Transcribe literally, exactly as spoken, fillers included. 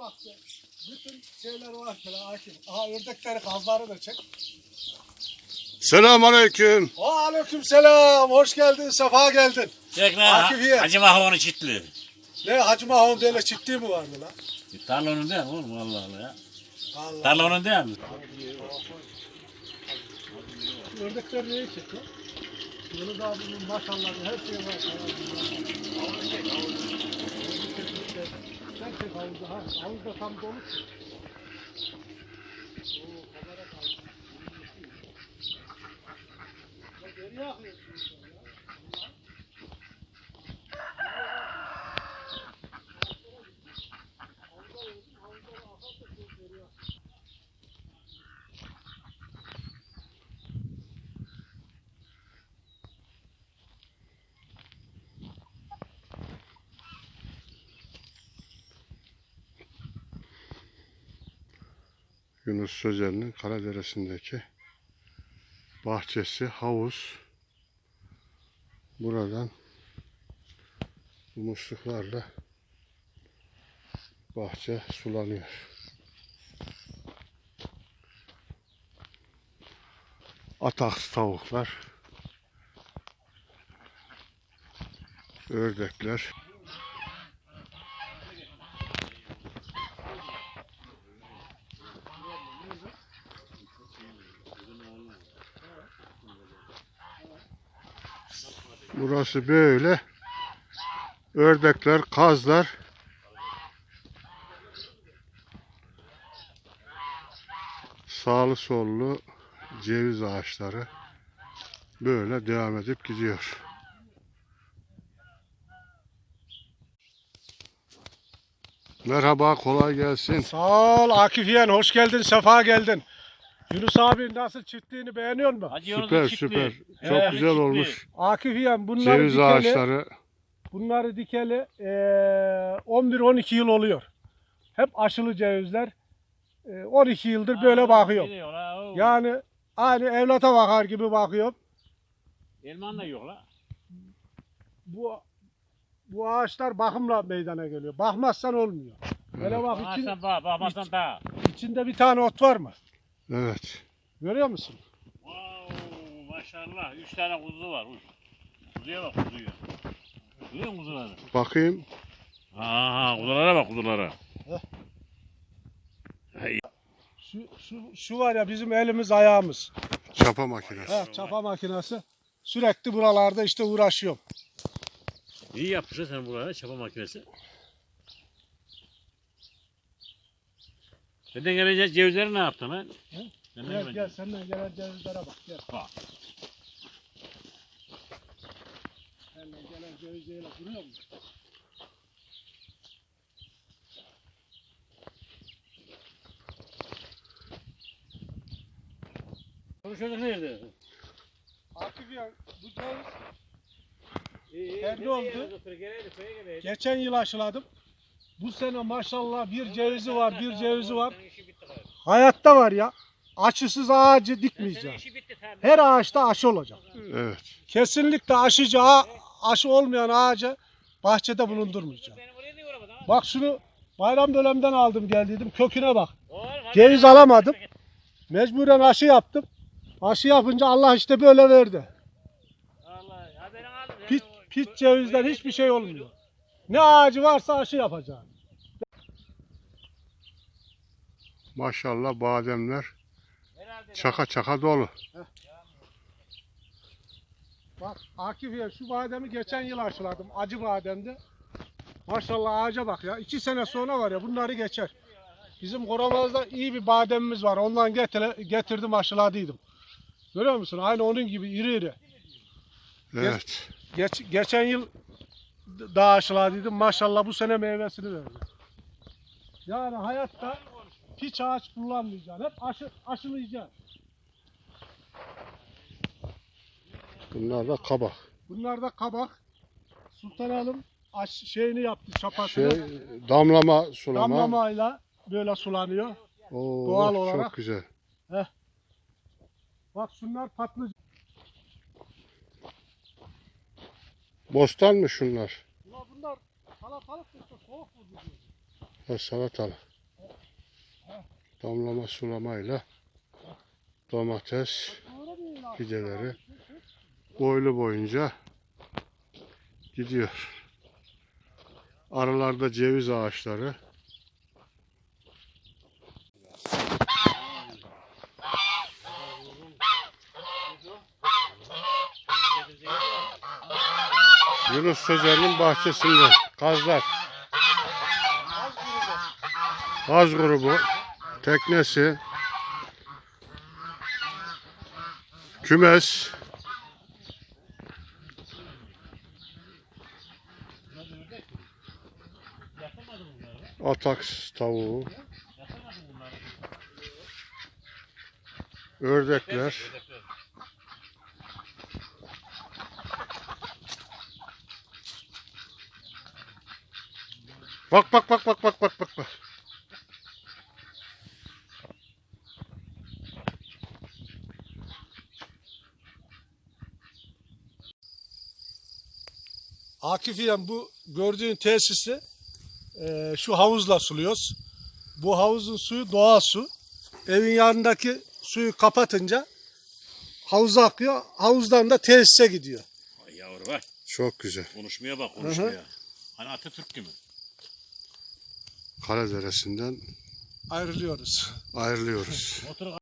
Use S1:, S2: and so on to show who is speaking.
S1: bahçe. Bütün şeyler var şöyle Akif. Aha ördekleri, kazları da çek.
S2: Selamünaleyküm.
S1: Aleyküm selam. Hoş geldin, sefa geldin.
S3: Çek
S1: Akif ye.
S3: lan. Hacı Mahvo'nun çitli.
S1: Ne Hacı Mahmut öyle ciddi mi vardı lan?
S3: Tarlanın değil mi oğlum Allah Allah ya.
S1: Allah.
S3: Tarlanın değil mi?
S1: Ördekler neyi çekiyor? Yunus abinin maşallah her şey var. Sen çek havuzda ha. Havuzda tam dolu. Oo, kamera kaydı. Geriye akıyorsun sen ya.
S2: Yunus Sözer'in Karadere'sindeki bahçesi, havuz. Buradan bu musluklarla bahçe sulanıyor. Ataks tavuklar, ördekler. Burası böyle. Ördekler, kazlar. Sağlı sollu ceviz ağaçları. Böyle devam edip gidiyor. Merhaba, kolay gelsin.
S1: Sağ ol Akif yeğen, hoş geldin, sefa geldin. Yunus abi nasıl çiftliğini beğeniyor musun?
S3: Hacı
S2: Süper
S3: Yunus'un
S2: süper.
S3: çitli.
S2: Çok
S3: Evet,
S2: güzel
S3: çitli.
S2: olmuş.
S1: Akif yeğen bunları
S2: Ceviz
S1: dikeli,
S2: ağaçları.
S1: bunları dikeli eee, on bir on iki yıl oluyor. Hep aşılı cevizler. Eee, on iki yıldır böyle
S3: Aa,
S1: bakıyorum.
S3: geliyor la, o.
S1: Yani aynı evlata bakar gibi bakıyorum.
S3: Elman da yok la.
S1: Bu bu ağaçlar bakımla meydana geliyor. Bakmazsan olmuyor. Böyle bak için,
S3: Ağaçtan bak, bakmazsan da.
S1: içinde bir tane ot var mı?
S2: Evet.
S1: Görüyor musun?
S3: Wow, maşallah. Üç tane kuzu var. Uç. Kuzuya bak kuzuya. Görüyor musun kuzuları?
S2: Bakayım.
S3: Ha, kuzulara bak kuzulara.
S1: Şu, şu, şu var ya bizim elimiz ayağımız.
S2: Çapa makinesi.
S1: Ha, çapa makinesi. Sürekli buralarda işte uğraşıyorum.
S3: İyi yapmışsın sen buraya çapa makinesi. Senden gelecek cevizleri ne yaptın lan?
S1: He?
S3: Senden
S1: Gel
S3: gelecek-
S1: gel senden gelen cevizlere bak gel.
S3: Bak.
S1: Senden gelen cevizlere duruyor mu?
S3: Bu çocuk nerede?
S1: Akif ya bu ceviz
S3: İyi,
S1: Kendi oldu. geçen yıl aşıladım. Bu sene maşallah bir cevizi var bir cevizi var. Hayatta var ya. Aşısız ağacı dikmeyeceğim. Her ağaçta aşı olacak.
S2: Evet.
S1: Kesinlikle aşıcı ağa- aşı olmayan ağacı bahçede bulundurmayacağım. Bak şunu bayram dönemden aldım geldiydim. Köküne bak. Ceviz alamadım. Mecburen aşı yaptım. Aşı yapınca Allah işte böyle verdi. Pit, pit cevizden hiçbir şey olmuyor. Ne ağacı varsa aşı yapacağım.
S2: Maşallah bademler çaka çaka dolu.
S1: Bak Akif ya şu bademi geçen yıl aşıladım. Acı bademdi. Maşallah ağaca bak ya. İki sene sonra var ya bunları geçer. Bizim Koramaz'da iyi bir bademimiz var. Ondan getir, getirdim aşıladıydım. Görüyor musun? Aynı onun gibi iri iri.
S2: Evet.
S1: Geç, geçen yıl daha aşıladıydım. Maşallah bu sene meyvesini verdi. Yani hayatta hiç ağaç kullanmayacaksın. Hep aşı, aşılayacaksın.
S2: Bunlar da kabak.
S1: Bunlar da kabak. Sultan Hanım aş, şeyini yaptı çapasını.
S2: Şey, damlama sulama.
S1: Damlamayla böyle sulanıyor.
S2: Oo,
S1: doğal
S2: çok
S1: olarak.
S2: güzel.
S1: Bak şunlar patlıcan.
S2: Bostan mı şunlar?
S1: Bunlar, bunlar salatalık işte soğuk vurdu diyor.
S2: Ha, salatalık. Damlama sulamayla domates fideleri boylu boyunca gidiyor. Aralarda ceviz ağaçları. Yunus Sözer'in bahçesinden kazlar. Kaz grubu teknesi, kümes, ataks tavuğu, ördekler, bak bak bak bak bak bak bak bak.
S1: Akif İyem, bu gördüğün tesisi e, şu havuzla suluyoruz. Bu havuzun suyu doğal su. Evin yanındaki suyu kapatınca havuza akıyor. Havuzdan da tesise gidiyor.
S3: Ay yavru bak.
S2: Çok güzel.
S3: Konuşmaya bak konuşmaya. Hani Atatürk gibi.
S2: Karaderesi'nden
S1: Ayrılıyoruz.
S2: ayrılıyoruz.
S3: Motoru